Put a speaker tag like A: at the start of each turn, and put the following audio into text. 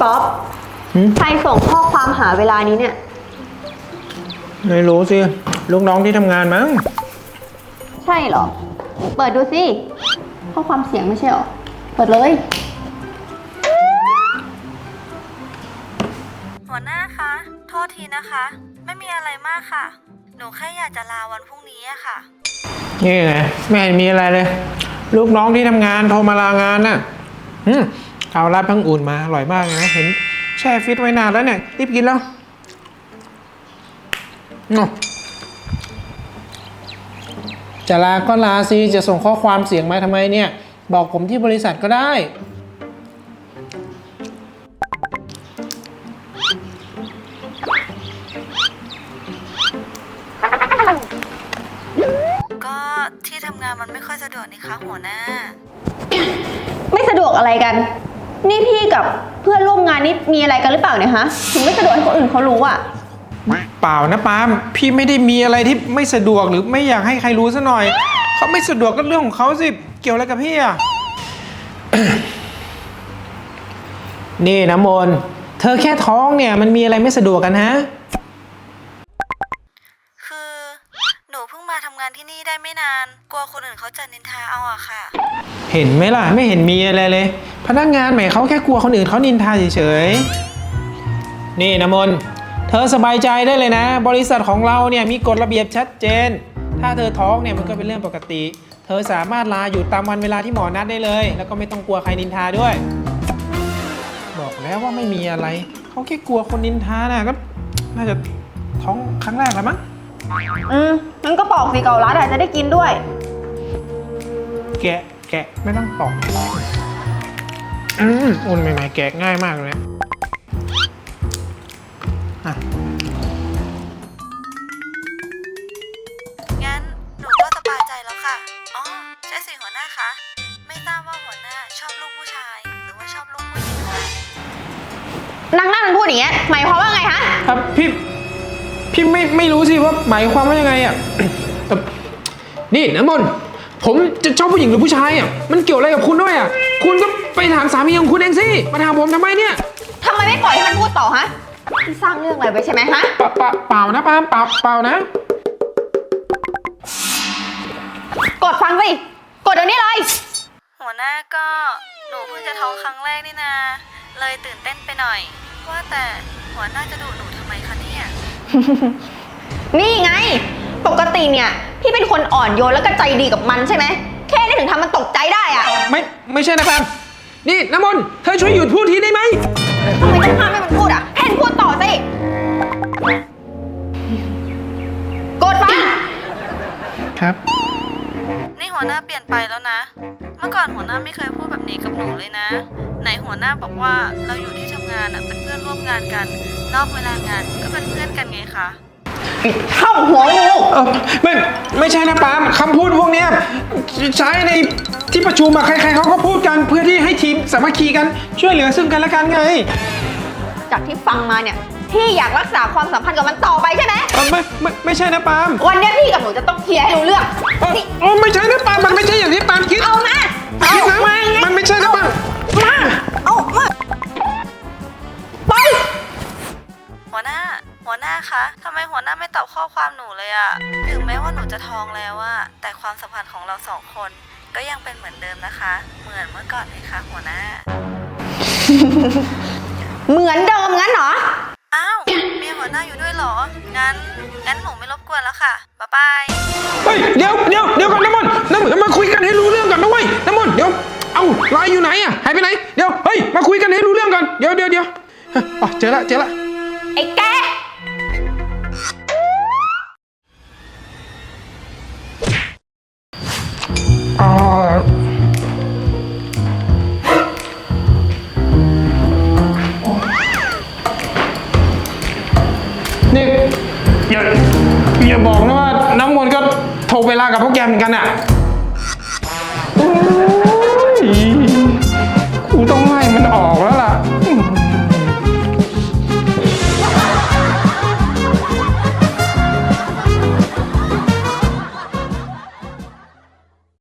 A: ก๊อฟใครส่งข้อความหาเวลานี้เนี่ย
B: ไม่รู้สิลูกน้องที่ทำงานมั้ง
A: ใช่เหรอเปิดดูสิข้อความเสียงไม่ใช่เหรอเปิดเลย
C: หัวหน้าคะโทษทีนะคะไม่มีอะไรมากค่ะหนูแค่อยากจะลาวันพรุ่งนี้อะค่ะ
B: นี่ไงไม่เห็นมีอะไรเลยลูกน้องที่ทำงานโทรมาลางานน่ะเอาราดพังอุ่นมาอร่อยมากเลยนะเห็นแช่ฟิตไว้นานแล้วเนี่ยรีบกินแล้วจะลาก็ลาสิจะส่งข้อความเสียงมาทำไมเนี่ยบอกผมที่บริษัทก็ได้
C: ก็ที่ทำงานมันไม่ค่อยสะดวกนี่คะหัวหน้า
A: ไม่สะดวกอะไรกันนี่พี่กับเพื่อนร่วมงานนี่มีอะไรกันหรือเปล่าเนี่ยฮะถึงไม่สะดวกให้คนอื่นเขารู้อ่ะ
B: เปล่านะปาล์มพี่ไม่ได้มีอะไรที่ไม่สะดวกหรือไม่อยากให้ใครรู้ซะหน่อยเขาไม่สะดวกก็เรื่องของเขาสิเกี่ยวอะไรกับพี่อ่ะ นี่น้ำมนต์เธอแค่ท้องเนี่ยมันมีอะไรไม่สะดวกกันฮะ
C: คือหนูเพิ่งมาทำงานที่นี่ได้ไม่นานกลัวคนอื่นเขาจะนินทาเอาอะค่ะ
B: เห็นไหมล่ะไม่เห็นมีอะไรเลยพนักงานใหม่เขาแค่กลัวคนอื่นเขานินทาเฉยๆนี่น้ำมนต์เธอสบายใจได้เลยนะบริษัทของเราเนี่ยมีกฎระเบียบชัดเจนถ้าเธอท้องเนี่ยมันก็เป็นเรื่องปกติเธอสามารถลาอยู่ตามวันเวลาที่หมอนัดได้เลยแล้วก็ไม่ต้องกลัวใครนินทาด้วยบอกแล้วว่าไม่มีอะไรเขาแค่กลัวคนนินทานะก็น่าจะท้องครั้งแรกแล้วมั้ง
A: งั้นก็ปอกสิเกาลัดอาจจะได้กินด้วย
B: แกะไม่ต้องปอกอุ่นใหม่ๆแกะง่ายมากเลย
C: งั้นหนูก็สบายใจแล้วค่ะอ๋อใช่สิหัวหน้าคะไม่ทราบว่าหัวหน้าชอบลูกผู้ชายหรือว่าชอบลูกผู้หญิงคะ
A: นางนั่นมันพูดอย่างเงี้ยหมายความว่าไงฮะ
B: ครับพี่ไม่รู้สิว่าหมายความว่ายังไงอ่ะ นี่น้ำมนต์ผมจะชอบผู้หญิงหรือผู้ชายอ่ะมันเกี่ยวอะไรกับคุณด้วยอ่ะคุณก็ไปถามสามีของคุณเองสิมาถามผมทำไมเนี่ย
A: ทำไมไม่ปล่อยให้มันพูดต่อฮะที่สร้างเรื่องอะไรไปใช่ไหมฮะ
B: เปล่านะปาล์มเปล่านะ
A: กดฟังสิกดเดี๋ยวนี้เลย
C: หัวหน้าก็หนูเพิ่งจะท้องครั้งแรกนี่นาเลยตื่นเต้นไปหน่อยว่าแต่หัวหน้าจะดุหนูทำไมคะเนี่ย
A: นี่ไงปกติเนี่ยพี่เป็นคนอ่อนโยนแล้วก็ใจดีกับมันใช่ไหมแค่นี้ถึงทำมันตกใจได้อะ
B: ไม่ใช่นะปาล์มนี่น้ำมนต์เธอช่วยหยุดพูดทีได้ไหม
A: ทำไมต้องห้ามให้มันพูดอ่ะให้มันพูดต่อสิกดฟัง
B: ครับ
C: นี่หัวหน้าเปลี่ยนไปแล้วนะเมื่อก่อนหัวหน้าไม่เคยพูดแบบนี้กับหนูเลยนะไหนหัวหน้าบอกว่าเราอยู่ที่ทำงานเป็นเพื่อนร่วมงานกันนอกเวลางานก็เป็นเพื่อนกันไงคะ
A: เข้าหัวงู
B: ไม่ใช่นะปาล์มคำพูดพวกนี้ใช้ในที่ประชุมใครๆเขาก็พูดกันเพื่อที่ให้ทีมสามัคคีกันช่วยเหลือซึ่งกันและกันไง
A: จากที่ฟังมาเนี่ยพี่อยากรักษาความสัมพันธ์กับมันต่อไปใช่ไหม
B: ไม่ใช่นะปาล์ม
A: วันนี้พี่กับหนูจะต้องเคลียร์ให้รู้เรื่อง
B: ไม่ใช่นะปาล์มมันไม่ใช่อย่างที่ปาล์มคิด
A: เอามา
B: คิดนะมันไม่ใช่นะปาล์ม
A: มาไป
C: หัวหน้าคะทำไมหัวหน้าไม่ตอบข้อความหนูเลยอะถึงแม้ว่าหนูจะท้องแล้วอะแต่ความสัมพันธ์ของเราสองคนก็ยังเป็นเหมือนเดิมนะคะเหมือนเมื่อก่อนเลยค่ะหัวหน้า
A: เหมือนเดิมงั้นเหรอ
C: อ้าวมีหัวหน้าอยู่ด้วยเหรองั้นหนูไม่รบกวนแล้วค่ะบ๊ายบาย
B: เฮ้ยเดี๋ยวก่อนน้ำมนต์มาคุยกันให้รู้เรื่องก่อนนะเว้ยน้ำมนต์เดี๋ยวเอ้าไลน์อยู่ไหนอะหายไปไหนเดี๋ยวเฮ้ยมาคุยกันให้รู้เรื่องก่อนเดี๋ยวเจอละ
A: ไอ้แก
B: นี่อย่าบอกนะว่าน้ำมนต์ก็โทรเวลากับพวกแกเหมือนกันอะ